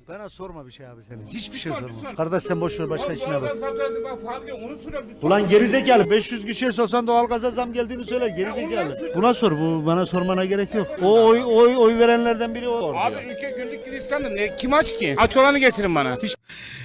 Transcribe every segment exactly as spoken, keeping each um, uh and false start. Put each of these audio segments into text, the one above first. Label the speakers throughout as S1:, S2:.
S1: Bana sorma bir şey abi senin. Hiçbir şey sorma. Kardeş sen boş ver başka işine bak. Ulan gerizekalı beş yüz kişiye sorsan doğalgaza zam geldiğini söyler gerizekalı. Buna sor, bu bana sormana gerek yok. O oy oy oy verenlerden biri o.
S2: Abi ülke güllük gülistanlı ne kim aç ki? Aç olanı getirin bana. Hiç...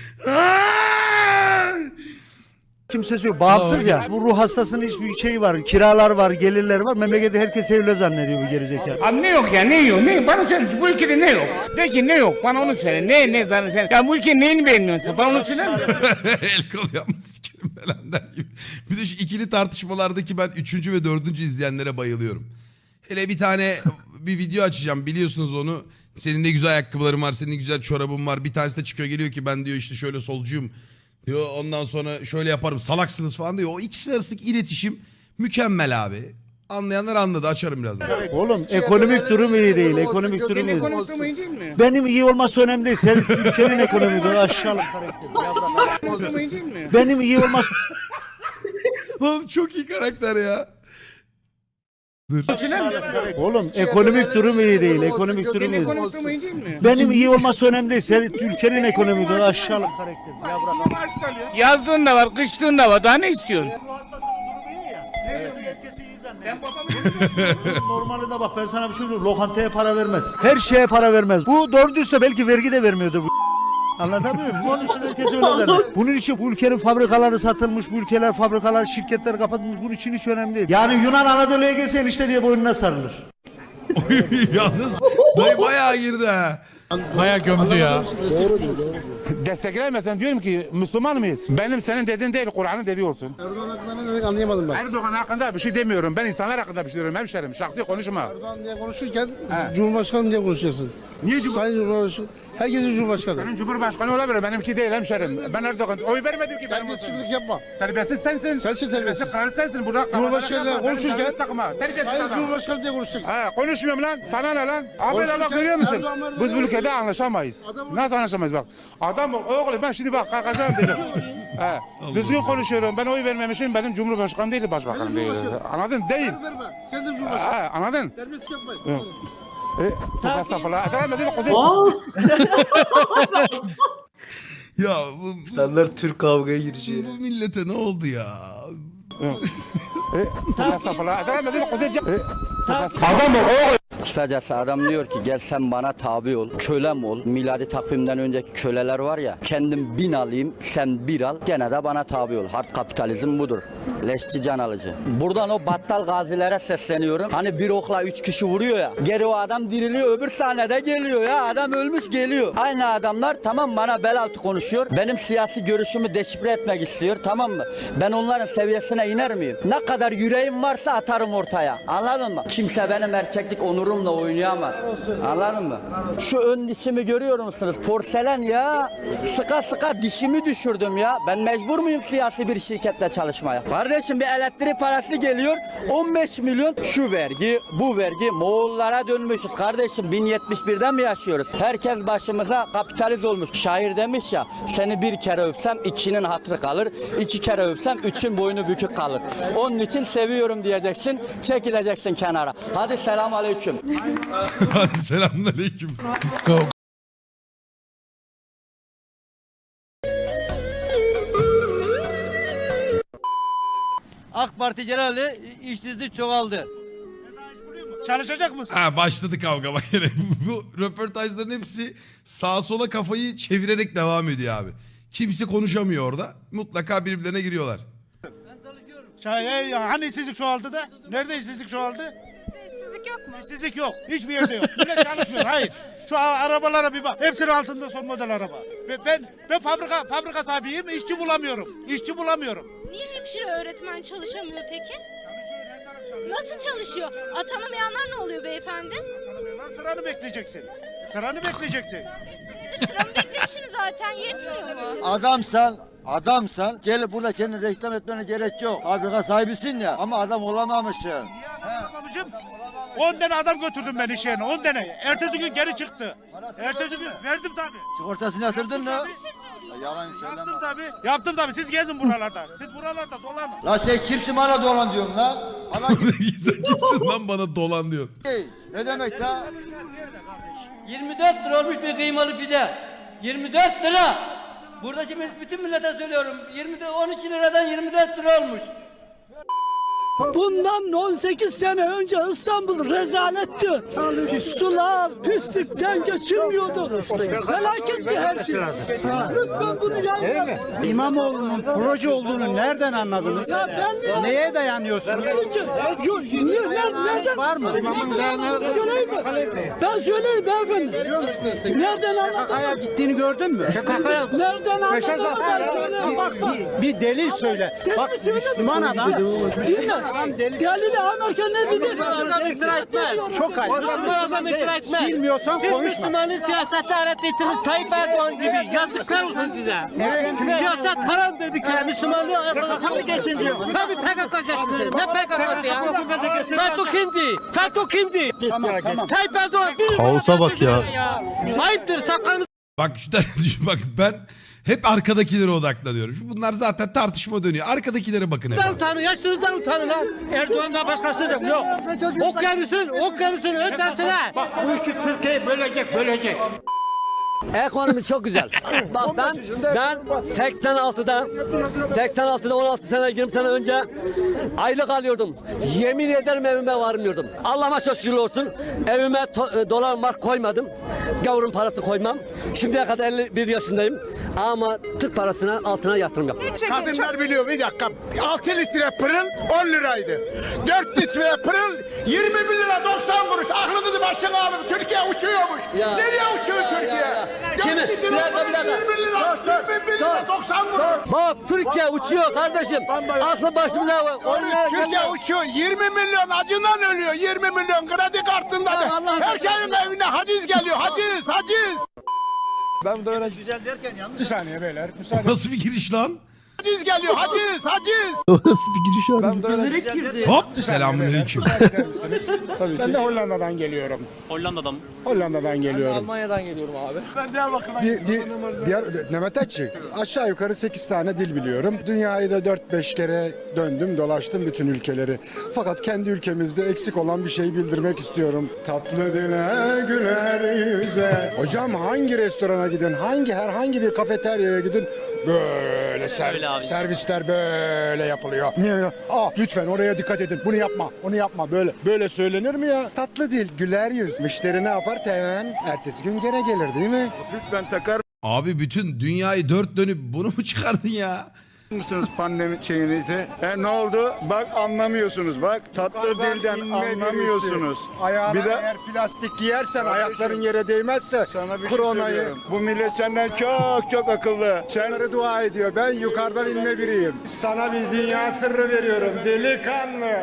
S1: Kimsesi yok. Bağımsız ya. Bu ruh hastasının hiçbir şeyi var. Kiralar var, gelirler var. Memlekette herkes evli zannediyor bu gerizekalı.
S2: Abi ne yok ya ne yok ne bana söyle bu ülkede ne yok? De ki ne yok bana onu söyle ne ne zaten sen. Ya bu ülkenin neyini beğenmiyorsun sen bana onu söyler misin?
S3: El kol yapma sikerim belandan gibi. Bir de şu ikili tartışmalardaki ben üçüncü ve dördüncü izleyenlere bayılıyorum. Hele bir tane bir video açacağım biliyorsunuz onu. Senin ne güzel ayakkabıların var, senin güzel çorabın var. Bir tanesi de çıkıyor geliyor ki ben diyor işte şöyle solcuyum. Diyor ondan sonra şöyle yaparım salaksınız falan diyor. O ikisi arasındaki iletişim mükemmel abi. Anlayanlar anladı açarım birazdan.
S1: Oğlum ekonomik durum iyi değil. Ekonomik durum iyi değil.
S2: Ekonomik durumu iyi değil mi?
S1: Benim iyi olması önemli değil. Sen ülkenin ekonomik durumu aşağılık karakter.
S2: Ekonomik durumu iyi değil mi?
S1: Benim iyi olması
S3: Oğlum çok iyi karakter ya. Dur.
S2: Söyler misin?
S1: Oğlum ekonomik durum iyi değil. Ekonomik durum iyi değil.
S2: Ekonomik durumu iyi değil mi?
S1: Benim iyi olması önemli değil. Sen ülkenin ekonomik durumu aşağılık karakter. Ya bırak.
S2: Yazdığın da var, kıştığın da var. Daha ne istiyorsun?
S1: Bu hastasının durumu iyi ya. Herkes herkesi iyi zannediyor. Normalde bak ben sana bir şey söyleyeyim. Lokantaya para vermez. Her şeye para vermez. Bu doğru düzse belki vergi de vermiyordu bu. Anlatabiliyor muyum? Onun için herkes öyle zannediyor. Bunun için bu ülkenin fabrikaları satılmış, bu ülkeler fabrikalar, şirketler kapatılmış. Bunun için hiç önemli değil. Yani Yunan Anadolu'ya gelsen işte diye boynuna sarılır.
S3: Yalnız dayı bayağı girdi ha.
S4: Bayağı gömdü ya.
S5: Desteklemesen diyorum ki Müslüman mıyız? Benim senin dediğin değil Kur'an'ın dediği olsun.
S6: Erdoğan hakkında ne dedik anlayamadım ben.
S5: Erdoğan hakkında bir şey demiyorum. Ben insanlar hakkında bir şey diyorum hemşerim. Şahsi konuşma.
S6: Erdoğan diye konuşurken Cumhurbaşkanı diye konuşacaksın.
S5: Niye
S6: Sayın Cumhurbaşkanı? Herkesin Cumhurbaşkanı.
S5: Senin Cumhurbaşkanı olabilir. Benimki değil hemşerim. Ben Erdoğan oy vermedim ki benim olsun.
S6: Terbiyesizlik yapma.
S5: Terbiyesiz sensin.
S6: Sensin terbiyesiz.
S5: Karı sensin. Burada
S6: Cumhurbaşkanıyla konuşurken
S5: sakma. Terbiyesiz
S6: Sayın
S5: adam.
S6: Cumhurbaşkanı diye konuşacaksın.
S5: Ha, konuşmuyorum lan. Sana ne lan? Abi
S6: Konuşurken
S5: bak görüyor musun?
S6: Erdoğan, Erdoğan,
S5: Biz bu ülkede anlaşamayız.
S6: Adam-
S5: Nasıl anlaşamayız bak. Adam oğlum ben şimdi bak kalkacağım dedim. He. Düzgün konuşuyorum. Ben oy vermemişim. Benim Cumhurbaşkanım değil, başbakanım değil.
S6: Cumhurbaşkanı.
S5: Anladın? Değil.
S6: Verme. Sen de Cumhurbaşkanı.
S5: Ha, anladın?
S6: Terbiyesizlik yapmayın.
S5: E, estağfurullah. Estağfurullah. Kuzey.
S3: Ya bu, bu,
S7: Standart Türk kavgaya gireceği.
S3: bu millete ne oldu ya?
S5: E, estağfurullah. Estağfurullah. Kuzey. E, Adam o.
S7: Kısacası adam diyor ki gel sen bana tabi ol, kölem ol. Miladi takvimden önceki köleler var ya, kendim bin alayım, sen bir al, gene de bana tabi ol. Hard kapitalizm budur. Leşçi can alıcı. Buradan o battal gazilere sesleniyorum. Hani bir okla üç kişi vuruyor ya, geri o adam diriliyor, öbür sahnede geliyor ya, adam ölmüş geliyor. Aynı adamlar tamam bana bel altı konuşuyor, benim siyasi görüşümü deşifre etmek istiyor, tamam mı? Ben onların seviyesine iner miyim? Ne kadar yüreğim varsa atarım ortaya, anladın mı? Kimse benim erkeklik onurumla oynayamaz. Anladın mı? Şu ön dişimi görüyor musunuz? Porselen ya. Sıka sıka dişimi düşürdüm ya. Ben mecbur muyum siyasi bir şirkette çalışmaya? Kardeşim bir elektrik parası geliyor. on beş milyon şu vergi, bu vergi. Moğollara dönmüşüz. Kardeşim bin yetmiş birden mi yaşıyoruz? Herkes başımıza kapitalist olmuş. Şair demiş ya, seni bir kere öpsem ikinin hatırı kalır. İki kere öpsem üçün boynu bükük kalır. Onun için seviyorum diyeceksin. Çekileceksin kenara. Hadi selam aleyküm.
S3: Hadi selamünaleyküm.
S4: Go.
S8: AK Parti genelde işsizlik çoğaldı.
S2: Çalışacak mısın?
S3: Ha başladı kavga bak yine. Bu röportajların hepsi sağa sola kafayı çevirerek devam ediyor abi. Kimse konuşamıyor orada. Mutlaka birbirlerine giriyorlar.
S9: Şey, hani işsizlik çoğaldı da? Nerede işsizlik çoğaldı?
S10: İşsizlik yok mu?
S9: İşsizlik yok. Hiçbir yerde yok. Millet çalışmıyor. Hayır. Şu arabalara bir bak. Hepsinin altında son model araba. Ben ben, ben fabrika fabrika sahibiyim. İşçi bulamıyorum. İşçi bulamıyorum.
S10: Niye hemşire öğretmen çalışamıyor peki? Nasıl çalışıyor? Atanamayanlar ne oluyor beyefendi?
S9: Lan sıranı bekleyeceksin. Sıranı bekleyeceksin.
S10: Sıramı beklemişim zaten yetmiyor mu?
S1: Adamsan, adamsan gelip burada kendini reklam etmene gerek yok. Fabrika sahibisin ya ama adam olamamışsın.
S9: Niye adam olamamışım? on tane adam götürdüm ben iş yerine. on tane. Ertesi gün geri çıktı. Ertesi gün verdim tabii.
S1: Sigortasını yatırdın mı?
S10: Bir şey söyleyeyim.
S1: Yalan
S9: Yaptım tabii. Yaptım tabii. Siz gezin buralarda. Siz buralarda dolanın.
S1: La sen kimsin bana dolan diyorsun lan? Bana
S3: Sen kimsin lan bana dolan diyor.
S1: ne demek la?
S8: yirmi dört lira olmuş bir kıymalı pide. yirmi dört lira. Buradaki bütün millete söylüyorum. yirmi on iki liradan yirmi dört lira olmuş.
S4: Bundan on sekiz sene önce İstanbul rezaletti. Sular pislikten geçilmiyordu. Felaketti her şey. Lütfen bunu yapmayın.
S1: İmamoğlu'nun proje olduğunu nereden anladınız?
S4: Ya ben
S1: Neye dayanıyorsunuz?
S4: Yok, ne, ne, nereden?
S1: Var mı?
S4: Nereden anladın? Söyleyeyim mi? Ben söyleyeyim beyefendi. Nereden anladın?
S1: Gittiğini gördün mü?
S4: Nereden anladın? Ben söyleyeyim. Bak bak.
S1: Bir delil söyle. Bak Müslüman adam.
S4: Dinle. Delili Amerika ne dedi?
S8: Adam iftira etmez.
S1: Çok ayıp.
S8: Müslüman adam iftira etmez.
S1: Bilmiyorsan
S8: Siz
S1: konuşma.
S8: Müslümanın siyasete öğrettiğiniz Tayyip Erdoğan gibi. Yazıklar olsun size. Siyaset haramdır bir kere. Müslümanlığı arkadaşlar geçsin diyor. Tabii P K K geçsin. Ne P K K'sı ya? FETÖ kimdi? FETÖ kimdi?
S1: Tamam tamam.
S8: Tayyip Erdoğan bir
S6: Kaosa bak ya.
S8: Ayıptır sakalınızı
S3: Bak şu tane düşün, bak ben hep arkadakilere odaklanıyorum. Bunlar zaten tartışma dönüyor. Arkadakilere bakın hep.
S8: utanın. Yaşınızdan utanın ha.
S9: Erdoğan'dan başkası da yok.
S8: Okyanusun, okyanusun ötesine.
S9: Bak bu işi Türkiye'yi bölecek, bölecek.
S8: Ekonomi çok güzel. Bak ben ben seksen altıda seksen altıda on altı sene yirmi sene önce aylık alıyordum. Yemin ederim evime varmıyordum. Allah'ıma çok şükür olsun. Evime to- dolar mark koymadım. Gavurun parası koymam. Şimdiye kadar elli bir yaşındayım. Ama Türk parasına altına yatırım yaptım.
S5: Kadınlar biliyor bir dakika. altı litre pırıl on liraydı. dört litre pırıl yirmi bir lira doksan kuruş. Aklınızı başına alın. Türkiye uçuyormuş.
S8: Ya.
S5: Nereye uçuyor
S8: Ya, ya,
S5: Türkiye?
S8: ya.
S5: dört
S8: Kimi?
S5: litre
S8: Bir dakika,
S5: pırıl
S8: bir dakika.
S5: yirmi lira, yirmi bir lira doksan kuruş.
S8: Bak Türkiye uçuyor kardeşim. Aklı başımıza var.
S5: Oğlum, Türkiye uçuyor. yirmi milyon acından ölüyor. yirmi milyon kredi kartında.
S8: Ya Allah
S5: Herkesin evine haciz geliyor. Haciz, haciz.
S1: Güzel derken yanlış.
S5: Bir saniye beyler. Müsaade.
S3: Nasıl bir giriş lan?
S5: Haciz geliyor. Haciz, haciz.
S6: Nasıl bir giriş abi?
S3: Hop selamünaleyküm.
S5: Ben de Hollanda'dan geliyorum.
S1: Hollanda'dan.
S5: Hollanda'dan geliyorum.
S8: Almanya'dan geliyorum abi.
S5: Bir, bir diğer Mehmet Açı. Aşağı yukarı sekiz tane dil biliyorum. Dünyayı da dört beş kere döndüm, dolaştım bütün ülkeleri. Fakat kendi ülkemizde eksik olan bir şey bildirmek istiyorum. Tatlı dile güler yüze. Hocam hangi restorana gidin, hangi herhangi bir kafeteryaya gidin böyle ser- servisler böyle yapılıyor. Niye ya? Aa, lütfen oraya dikkat edin. Bunu yapma, onu yapma. Böyle böyle söylenir mi ya? Tatlı dil, güler yüz. Müşteri ne yapar? Hemen ertesi gün gene gelir değil mi? Lütfen takar
S3: Abi bütün dünyayı dört dönüp bunu mu çıkardın ya?
S5: mısınız pandemi şeyinizi? E, ne oldu? Bak anlamıyorsunuz. Bak tatlı dilden anlamıyorsunuz. Ayağına bir de eğer plastik giyersen ayakların yere değmezse koronayı. Bu millet senden çok çok akıllı. Senleri dua ediyor. Ben yukarıdan inme biriyim. Sana bir dünya sırrı veriyorum. Delikanlı.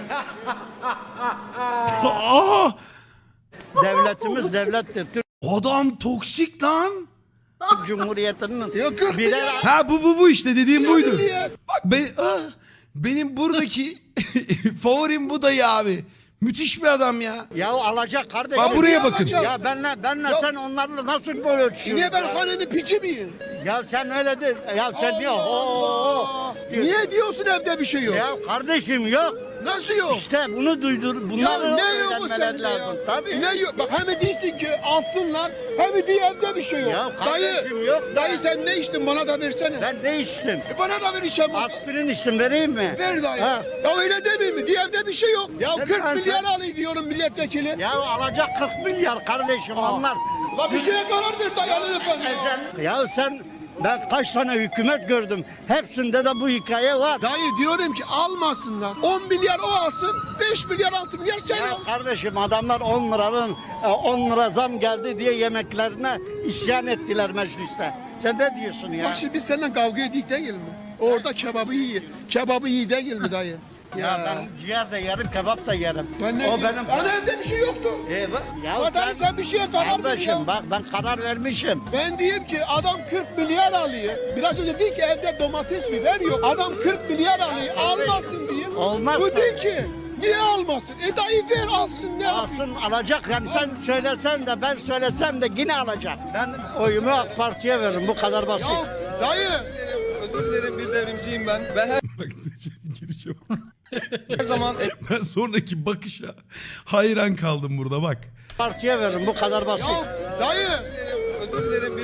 S3: Aa!
S1: Devletimiz devlettir. Türk
S3: Adam toksik lan.
S1: Cumhuriyeti'nin
S6: birer
S3: Ha bu bu bu işte dediğim buydu. Bak ben ah, benim buradaki favorim bu dayı abi. Müthiş bir adam ya.
S1: Ya alacak kardeşim.
S3: Bak buraya bakın.
S1: Ya benle benle sen onlarla nasıl böyle ölçüyorsun?
S6: Niye ben hanenin piçi miyim?
S1: Ya sen öyle değil. Ya sen diyor. Oo.
S6: Niye diyorsun evde bir şey yok?
S1: Ya kardeşim yok.
S6: Nasıl yok?
S1: İşte bunu duydur.
S6: Ya
S1: Bunları
S6: ne yok bu
S1: öğrenmeleri
S6: sende
S1: lazım.
S6: ya?
S1: Tabii.
S6: Ne yok? Bak hem değilsin ki alsınlar hem diye evde bir şey yok.
S1: Ya
S6: dayı,
S1: kardeşim yok da.
S6: dayı sen ne içtin bana da versene.
S1: Ben ne içtim?
S6: E bana da ver işe bak.
S1: Aspirin içtim vereyim mi?
S6: Ver dayı.
S1: Ha.
S6: Ya öyle demeyeyim mi? Diye evde bir şey yok. Ya
S1: Sen
S6: kırk
S1: ben-
S6: milyar alayım diyorum milletvekili.
S1: Ya alacak kırk milyar kardeşim onlar.
S6: La bir şeye karar ver dayı alın efendim.
S1: E sen, ya sen ben kaç tane hükümet gördüm. Hepsinde de bu hikaye var.
S6: Dayı diyorum ki almasınlar. on milyar o alsın, beş milyar altı milyar sen
S1: Ya
S6: al.
S1: kardeşim adamlar on liranın on lira zam geldi diye yemeklerine isyan ettiler mecliste. Sen ne diyorsun ya?
S6: Bak şimdi biz seninle kavga edik değil mi? Orada kebabı iyi. Kebabı iyi değil mi dayı?
S1: Ya ben ciğer de yerim, kebap da yerim.
S6: Ben ne
S1: o
S6: diyeyim?
S1: benim.
S6: Ana evde bir şey yoktu.
S1: E, bak- ya
S6: Adam sen bir şeye karar ver
S1: kardeşim
S6: ya.
S1: bak ben karar vermişim.
S6: Ben diyeyim ki adam kırk milyar alıyor. Biraz önce dedi ki evde domates biber yok. Adam kırk milyar alıyor. Almasın diyeyim.
S1: Olmaz
S6: Bu
S1: da.
S6: değil ki. Niye almasın? E dayı ver alsın ne yapayım?
S1: Alsın alacak yani sen söylesen de ben söylesem de yine alacak. Ben oyumu AK Parti'ye veririm bu kadar basit.
S6: Ya dayı.
S11: Özür dilerim bir devrimciyim ben. Ben her
S3: Bak girişe bak.
S11: her zaman
S3: Ben sonraki bakışa hayran kaldım burada bak.
S1: Partiye veririm bu kadar basit.
S6: Ya dayı.
S11: özür dilerim bir devrimciyim.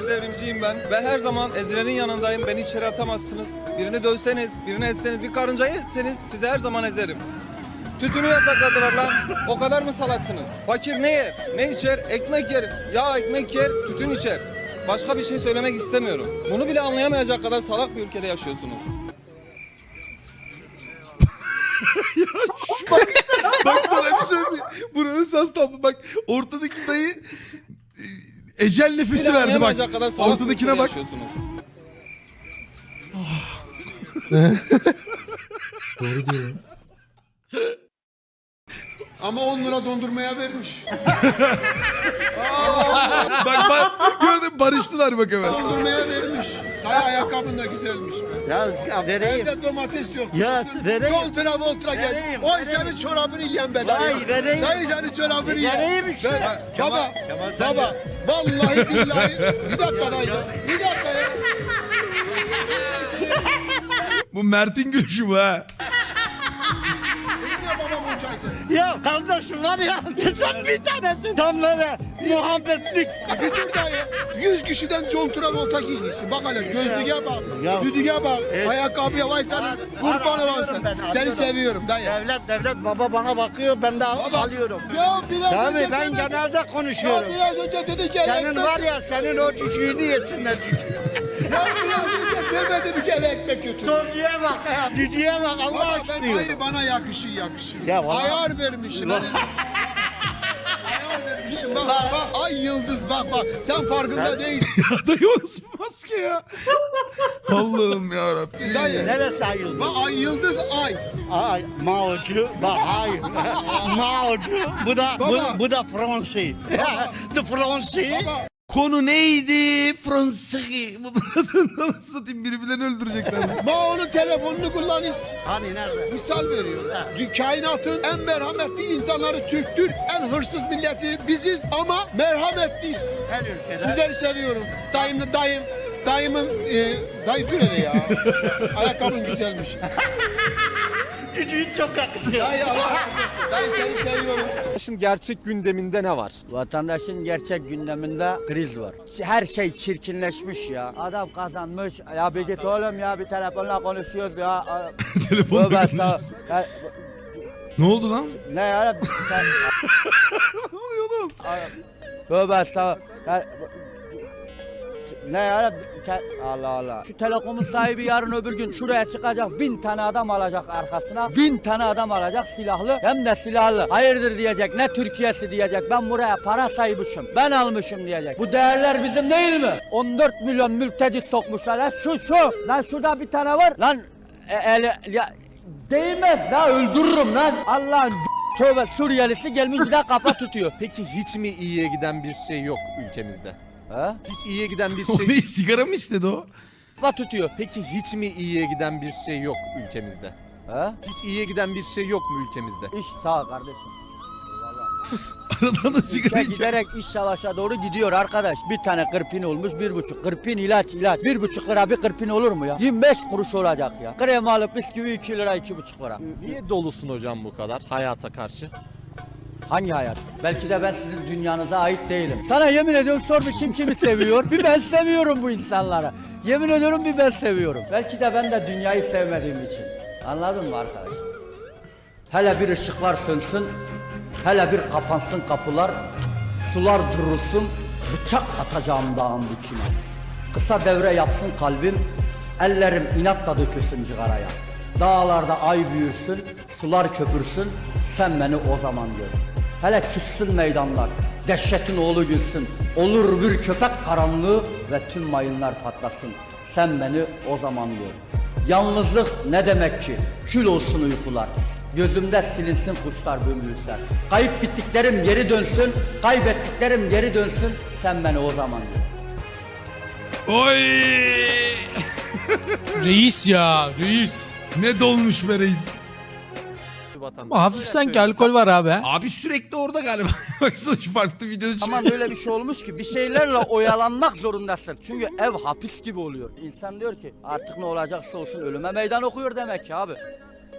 S11: devrimciyim ben ve her zaman ezilenin yanındayım. Beni içeri atamazsınız. Birini dövseniz, birini etseniz, bir karıncayı etseniz sizi her zaman ezerim. Tütünü yasakladılar lan. O kadar mı salaksınız? Fakir ne yer? Ne içer? Ekmek yer. Ya ekmek yer, tütün içer. Başka bir şey söylemek istemiyorum. Bunu bile anlayamayacak kadar salak bir ülkede yaşıyorsunuz.
S3: bak, bak sana bir söyleyeyim. Buranın sas tablo. Bak ortadaki dayı e, ecel nefesi
S11: Bile
S3: verdi bak.
S11: anlayamayacak kadar salak bir
S3: Ortadakine
S11: ülkede
S3: bak.
S11: yaşıyorsunuz.
S6: Doğru diyor. Ama on lira dondurmaya vermiş.
S3: Bak bak gördün barıştılar bak hemen.
S6: Dondurmaya vermiş. Dayı ayakkabın da güzelmiş be.
S1: Ya, ya vereyim.
S6: Evde domates yok.
S1: Ya, vereyim.
S6: John Travolta gel.
S1: Vereyim,
S6: Oy
S1: vereyim.
S6: senin çorabını yiyen be dayı.
S1: Vay, vereyim.
S6: Dayı senin çorabını yiyen.
S1: Vereyim işte.
S6: Ben-
S1: Kemal-
S6: baba,
S1: Kemal sen
S6: baba. Vallahi billahi. Bir dakika dayı. Bir dakika ya.
S3: Bu Mert'in gülüşü bu ha.
S6: Eline babam olacaktı.
S1: Ya kardeşim var ya sen bir tanesi tam böyle muhabbetlik.
S6: Bir dur dayı. Yüz kişiden John Travolta giyinirsin. Bak hele gözlüğe bak.
S1: Ya.
S6: Düdüğe bak.
S1: Evet.
S6: Ayakkabıya vay senin.
S1: Ar-
S6: Kurban olan
S1: arıyorum
S6: sen.
S1: ben,
S6: Seni
S1: arıyorum.
S6: seviyorum dayı.
S1: Devlet devlet baba bana bakıyor ben de al-
S6: Baba.
S1: alıyorum.
S6: Ya biraz
S1: Tabii
S6: önce
S1: ben
S6: demedin.
S1: genelde
S6: Ya
S1: konuşuyorum.
S6: biraz önce dedi ki
S1: Senin
S6: ekmek-
S1: var ya senin o cücüğünü yesinler cücüğü.
S6: Ya biraz önce demedim ki eve ekmek götür.
S1: Soruya bak ya cücüğe bak Allah
S6: Baba ben
S1: aşkına.
S6: hayır bana yakışır yakışır.
S1: Ya vallahi-
S6: Ayar vermişim.
S1: Bak.
S6: Ayar vermişim bak bak ay yıldız bak bak sen farkında değilsin.
S3: Ya dayı o nasıl bir maske ya? Allah'ım yarabbim.
S6: Dayı.
S1: Neresi ayıldı?
S6: Bak ay yıldız ay.
S1: Ay Mao'cu bak hayır. Mao'cu bu da
S6: Baba.
S1: bu, bu da Fransi. The Fransi.
S6: Baba
S3: Konu neydi? Fransız. Bunları nasıl satayım birbirlerini öldürecekler.
S6: bak onun telefonunu kullanırız.
S1: Hani nerede?
S6: Misal veriyorum. Kainatın en merhametli insanları Türktür. En hırsız milleti biziz ama merhametliyiz.
S1: Her ülkede.
S6: Sizleri seviyorum. Dayımlı dayım. Dayımın e, dayı dur hele ya. Ayakkabın güzelmiş.
S1: Cücüğün çok yakışıyor.
S6: Dayı Allah razı olsun. Dayı seni seviyorum.
S5: Vatandaşın gerçek gündeminde ne var?
S7: Vatandaşın gerçek gündeminde kriz var. Her şey çirkinleşmiş ya. Adam kazanmış. Ya bir git oğlum ya bir telefonla konuşuyoruz ya.
S3: Telefonla
S7: Tövbe
S3: konuşuyoruz.
S7: estağfurullah. Ya,
S3: Ne oldu lan?
S7: ne ya? Sen,
S3: Ne oluyor oğlum?
S7: tövbe estağfurullah. Ya, ne ya? Sen- Allah Allah. Şu telekomun sahibi yarın öbür gün şuraya çıkacak. Bin tane adam alacak arkasına. Bin tane adam alacak silahlı. Hem de silahlı. Hayırdır diyecek. Ne Türkiye'si diyecek. Ben buraya para saymışım. Ben almışım diyecek. Bu değerler bizim değil mi? on dört milyon mülteci sokmuşlar. Lan şu şu. Lan şurada bir tane var. Lan e, eli, ya, değmez la öldürürüm lan. Allah'ın tövbe Suriyelisi gelmiş bir daha kafa tutuyor.
S5: Peki hiç mi iyiye giden bir şey yok ülkemizde?
S7: Ha?
S5: Hiç iyiye giden bir
S3: O
S5: şey
S3: ne sigara mı istedi o?
S7: Kafa tutuyor.
S5: Peki hiç mi iyiye giden bir şey yok ülkemizde?
S7: Ha?
S5: Hiç iyiye giden bir şey yok mu ülkemizde?
S7: İş sağ ol kardeşim.
S3: Aradan da sigara
S7: Ülke
S3: içiyor.
S7: giderek iş savaşa doğru gidiyor arkadaş. Bir tane kırpin olmuş bir buçuk. Kırpin ilaç ilaç. Bir buçuk lira bir kırpin olur mu ya? yirmi beş kuruş olacak ya. Krem alıp bisküvi iki lira iki buçuk lira.
S5: Niye dolusun hocam bu kadar hayata karşı?
S7: Hangi hayat? Belki de ben sizin dünyanıza ait değilim. Sana yemin ediyorum sor bir kim kimi seviyor. Bir ben seviyorum bu insanları. Yemin ediyorum bir ben seviyorum. Belki de ben de dünyayı sevmediğim için. Anladın mı arkadaş? Hele bir ışıklar sönsün. Hele bir kapansın kapılar. Sular durulsun. Bıçak atacağım dağın dikine. Kısa devre yapsın kalbim. Ellerim inatla dökülsün cigaraya. Dağlarda ay büyürsün, sular köpürsün, sen beni o zaman gör. Hele küssün meydanlar, dehşetin oğlu gülsün, olur bir köpek karanlığı ve tüm mayınlar patlasın, sen beni o zaman gör. Yalnızlık ne demek ki? Kül olsun uykular, gözümde silinsin kuşlar bömbülse. Kayıp bittiklerim geri dönsün, kaybettiklerim geri dönsün, sen beni o zaman gör.
S3: Oy!
S12: Reis ya reis.
S3: Ne dolmuş be reis.
S12: Ama hafif sanki alkol var abi.
S3: Abi sürekli orada galiba. Baksana şu farklı videoda çıkıyor.
S7: Ama böyle bir şey olmuş ki bir şeylerle oyalanmak zorundasın. Çünkü ev hapis gibi oluyor. İnsan diyor ki artık ne olacaksa olsun ölüme meydan okuyor demek ki abi.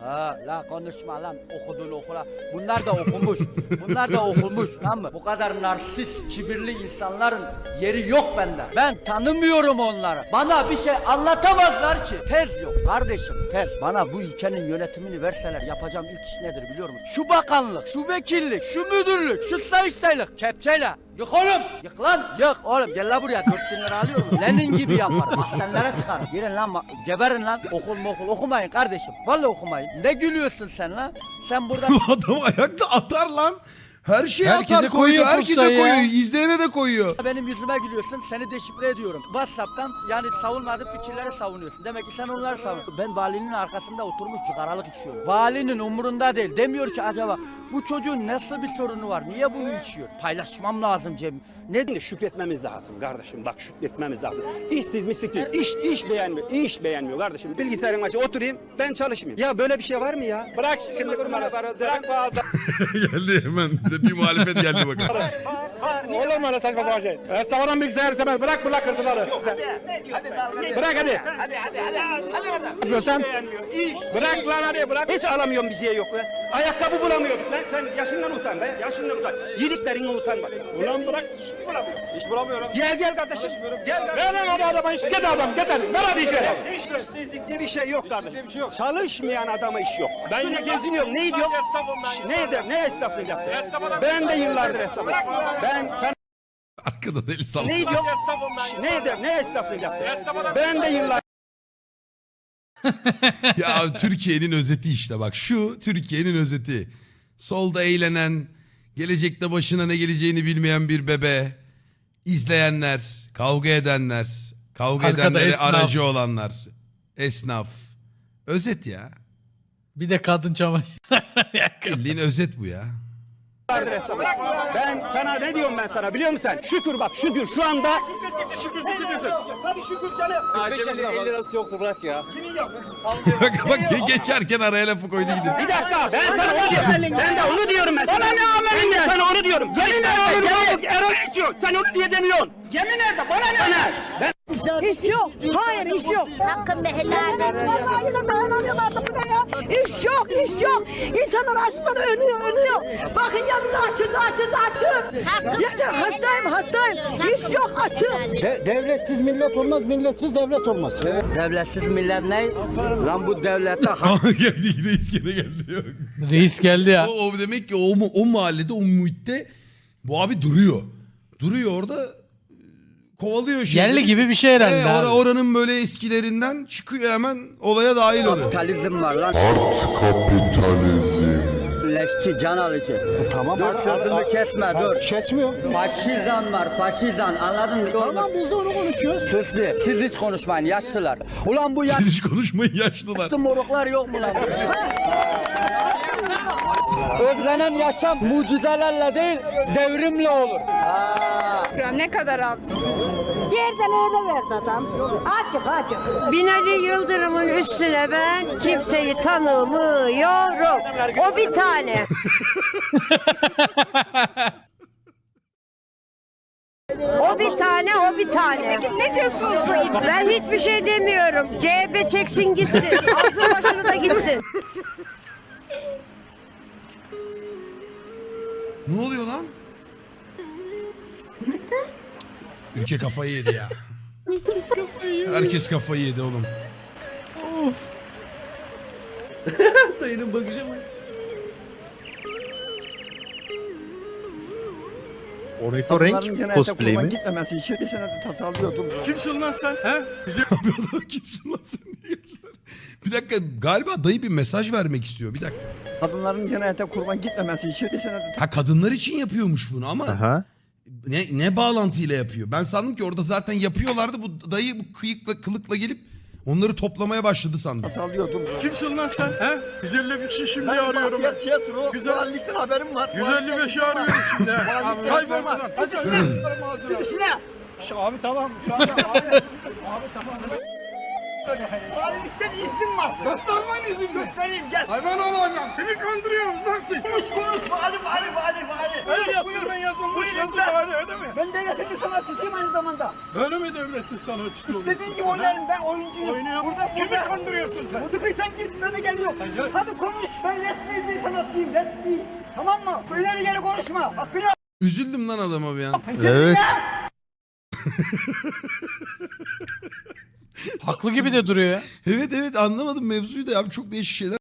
S7: Ha la konuşma lan okudun okula. Bunlar da okumuş. Bunlar da okumuş tamam mı? Bu kadar narsist, kibirli insanların yeri yok bende. Ben tanımıyorum onları. Bana bir şey anlatamazlar ki. Tez yok kardeşim tez. Bana bu ülkenin yönetimini verseler yapacağım ilk iş nedir biliyor musun? Şu bakanlık, şu vekillik, şu müdürlük, şu sayıştaylık kepçeyle. Yık oğlum. Yık lan. Yık oğlum. Gel la buraya. Dört bin lira alıyorum. Lenin gibi yaparım. Mahzenlere tıkarım. Girin lan. Geberin lan. Okul mu okul. Okumayın kardeşim. Vallahi okumayın. Ne gülüyorsun sen lan? Sen burada...
S3: Adam ayakta atar lan. Her şeye
S12: Herkese
S3: atar koyuyor.
S12: koyuyor
S3: Herkese
S12: postayı ya.
S3: koyuyor. İzleyene de koyuyor.
S7: Benim yüzüme gülüyorsun. Seni deşifre ediyorum. WhatsApp'tan yani savunmadığın fikirleri savunuyorsun. Demek ki sen onları savunuyorsun. Ben valinin arkasında oturmuş cigaralık içiyorum. Valinin umurunda değil. Demiyor ki acaba bu çocuğun nasıl bir sorunu var? Niye bunu içiyor? Paylaşmam lazım Cem. Ne
S13: Şimdi şükretmemiz lazım kardeşim. Bak şükretmemiz lazım. İşsiz mislik değil. İş, iş beğenmiyor. İş beğenmiyor kardeşim. Bilgisayarın başına oturayım ben çalışmayayım. Ya böyle bir şey var mı ya? Bırak şimdi kurbanı. Bırak bazı.
S3: Geldi hemen de bir muhalefet geldi bakalım.
S13: Olur mu öyle saçma sapan şey? Savaran bilgisayar istemez. Bırak bırak kırdıları. Bırak hadi. Hadi hadi hadi. Hadi oradan. Sen bırak lan hadi bırak. Hiç alamıyorum bir şey yok be. Ayakkabı bulamıyorduk lan. Sen yaşından utan be. Yaşından utan. Yediklerine utan bak. Ulan bırak. Hiç mi bulamıyorum? Hiç bulamıyorum. Gel gel kardeşim. Gel kardeşim. Ver lan o adama iş. Git adam git hadi. Ver hadi işe. İşsizlik diye bir şey yok kardeşim. Çalışmayan adama iş yok. Ben yine geziniyorum. Ne diyor? Ne eder? Ne esnaflık yaptı? Ben de yıllardır esnafım. Ben sen
S3: Arkada deli salak.
S13: ne diyor? Ne eder? Ne esnaflık yaptı? Ben de yıllar
S3: Ya Türkiye'nin özeti işte bak şu Türkiye'nin özeti. Solda eğlenen, gelecekte başına ne geleceğini bilmeyen bir bebe, izleyenler, kavga edenler, kavga
S12: Arkada
S3: edenlere
S12: esnaf.
S3: aracı olanlar, esnaf. Özet ya.
S12: Bir de kadın çamaşır.
S3: Bildiğin özet bu ya.
S13: yıllardır esnafım. Ben sana ne diyorum ben sana biliyor musun sen? Şükür bak şükür şu anda. Şükür şükür. Tabii şükür canım.
S8: beş yaşında elli lirası yoktu bırak ya.
S13: Kimin yok?
S3: bak bak ge- geçerken araya lafı koydu gidiyor.
S13: Bir dakika ben sana onu diyorum. Ben de onu diyorum ben sana. Bana ne amelin Ben de sana onu diyorum. Yemin ederim. Erol içiyor. Sen onu diye demiyorsun. Yemin ederim bana ne? Ben
S4: İş yok. Hayır iş yok.
S10: Hakkın helal.
S4: Vallahi de dayanamıyorlar da buraya. İş yok, iş yok. İnsanlar açlıktan ölüyor, ölüyor. Bakın ya biz açız, açız, açız. Yeter, hastayım, hastayım. İş yok, açım.
S1: devletsiz millet olmaz, milletsiz devlet olmaz.
S7: Devletsiz millet ne? Lan bu devlette
S3: Aa, geldi reis gene geldi. Yok.
S12: Reis geldi ya.
S3: O, o demek ki o, mu- o mahallede o muhitte bu abi duruyor. Duruyor orada kovalıyor şeyleri.
S12: Yerli gibi bir şey herhalde
S3: Ee,
S12: abi.
S3: ora- oranın böyle eskilerinden çıkıyor hemen olaya dahil oluyor.
S7: kapitalizm var lan.
S5: Art kapitalizm.
S7: Leşçi, can alıcı.
S1: Tamam.
S7: Dur sözümü kesme dur.
S1: Kesmiyor.
S7: Faşizan var faşizan anladın mı?
S1: Tamam biz de onu konuşuyoruz.
S7: Sus bir. Siz hiç konuşmayın yaşlılar. Ulan bu
S3: Siz hiç konuşmayın yaşlılar.
S7: yaşlı moruklar yok mu lan? Özlenen yaşam mucizelerle değil devrimle olur.
S10: Ne kadar aldın?
S4: Yerden öyle verdi adam. Açık, açık.
S10: Binali Yıldırım'ın üstüne ben kimseyi tanımıyorum. O bir tane. O bir tane, o bir tane. Ne diyorsunuz? Ben hiçbir şey demiyorum. C H P çeksin gitsin. Alsın başını da gitsin.
S3: Ne oluyor lan? Ülke kafayı yedi ya. Herkes kafayı yedi. Herkes kafayı yedi oğlum.
S12: Dayının bakışı mı?
S1: Ornitorenk cosplay mi?
S7: Gitmemesi için bir sene tasarlıyordum.
S9: Kimsin lan sen? He?
S3: Abi adam kimsin lan sen diye geldiler. Bir dakika galiba dayı bir mesaj vermek istiyor. Bir dakika.
S7: Kadınların cennete kurban gitmemesi için bir sene
S3: Ha kadınlar için yapıyormuş bunu ama
S1: Aha.
S3: ne, ne bağlantıyla yapıyor? Ben sandım ki orada zaten yapıyorlardı. Bu dayı bu kıyıkla kılıkla gelip onları toplamaya başladı sandım.
S7: tasarlıyordum.
S9: Kimsin lan sen? He? yüz elli beşi şimdi arıyorum ben.
S7: Tiyatro,
S9: Güzellikten
S7: haberim var.
S9: yüz elli beşi arıyorum şimdi. Kaybol buradan.
S13: Abi tamam. Şu anda abi. Abi tamam. Valilikten iznim var. Göstermen izin mi? Göstereyim gel. Hayvan olacağım. Kimi kandırıyorsunuz lan siz? Konuş konuş. Vali vali vali vali. Öyle yazısından yazılmış yazı vali öyle mi? Ben devletin bir sanatçısıyım aynı zamanda. Öyle mi devletin sanatçısı? İstediğin gibi oynarım ben oyuncuyum. Oynuyorum. Burada, kimi burada. Kandırıyorsun sen? Mutlaka git böyle geliyor. Hayır. Hadi konuş. Ben resmi bir sanatçıyım resmi. Tamam mı? İleri geri konuşma. Hakkını yap.
S3: Üzüldüm lan adama bir an.
S12: Evet. Haklı gibi de duruyor ya.
S3: Evet evet anlamadım mevzuyu da abi çok değişik şeyler